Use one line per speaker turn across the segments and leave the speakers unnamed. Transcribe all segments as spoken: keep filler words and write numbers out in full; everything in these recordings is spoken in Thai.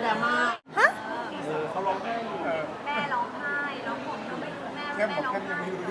ดราม่าฮะ
เขาร้องไห้
แม่ร้องไห้ร้องผมก็ไม่รู้แม่
แค่บ
แม่
อก
ร้อง
แค่ยัง
ไห้
ไม่รู้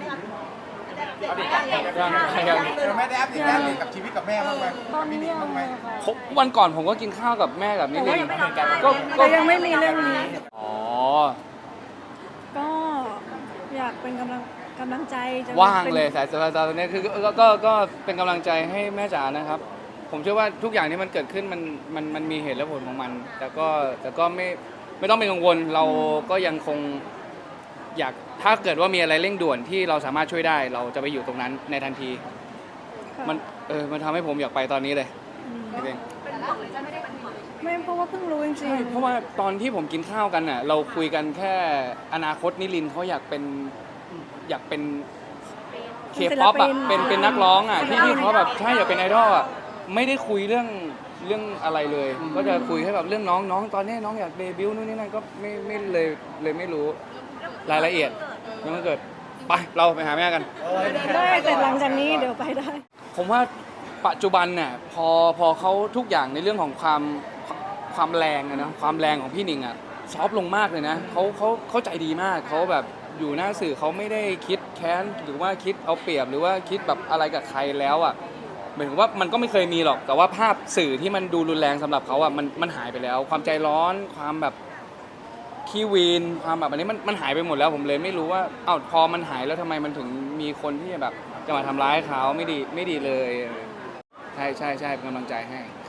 ยังยัง
เราไม่ได้อัปเดตแม่เลยกับชีวิตกับแม่บ้างไหม
ตอนนี้
มี
ยัง
บ้างไหม
ผมวันก่อนผมก็กินข้าวกับแม่กับนิรินทร์ก็ก็
แต่ยังไม่มีเรื่องนี้
อ๋อ
ก็อยากเป็นกำลังกำลังใจจะ
ว่าง
ป็น
เลยสายสายตอนนี้คือก็ก็ก็เป็นกำลังใจให้แม่จ๋านะครับ ผมเชื่อว่าทุกอย่างที่มันเกิดขึ้นมันมันมันมีเหตุและผลของมัน แต่ก็แต่ก็ไม่ไม่ต้องเป็นกังวลเราก็ยังคงอยากถ้าเกิดว่ามีอะไรเร่งด่วนที่เราสามารถช่วยได้ เราจะไปอยู่ตรงนั้นในทันที
ค่ะ
มันเออมันทำให้ผมอยากไปตอนนี้เลย
อืม
จริง
เป็นห่วงเลยจะไม่ได้เป็นห่วง
ไม่เพราะว่าเพิ่งรู้จริ
ใช่
ง
เพราะว่าตอนที่ผมกินข้าวกันน่ะเราคุยกันแค่อนาคตนิรินทร์เขาอยากเป็นอยากเป็นเคป๊อปอ่ะเป็นเป็นนักร้องอ่ะที่ที่เขาแบบใช่อยากเป็นไอดอลอ่ะไม่ได้คุยเรื่องเรื่องอะไรเลย ก็จะคุยแค่แบบเรื่องน้องน้องตอนนี้น้องอยากเดบิวต์นู่นนี่นั่นก็ไม่ไม่เลยเลยไม่รู้รายละเอียดยังไม่เกิดไปเราไปหาแม่กัน
ๆได้แต่หลังจากนี้เดี๋ยวไปได้
ผมว่าปัจจุบันเนี่ยพอพอเขาทุกอย่างในเรื่องของความความแรงอะนะความแรงของพี่หนิงอะซอฟต์ลงมากเลยนะเขาเขาเขาใจดีมากเขาแบบอยู่หน้าสื่อเขาไม่ได้คิดแค้นหรือว่าคิดเอาเปรียบหรือว่าคิดแบบอะไรกับใครแล้วอะเหมือนกับว่ามันก็ไม่เคยมีหรอกแต่ว่าภาพสื่อที่มันดูรุนแรงสำหรับเขาอะมันมันหายไปแล้ว ความใจร้อนความแบบขี้วีนความแบบอันนี้มันมันหายไปหมดแล้วผมเลยไม่รู้ว่าอ้าวพอมันหายแล้วทำไมมันถึงมีคนที่แบบจะมาทำร้ายเขาไม่ดีไม่ดีเลย ใช่ใช่ใช่เป็นกำลังใจให้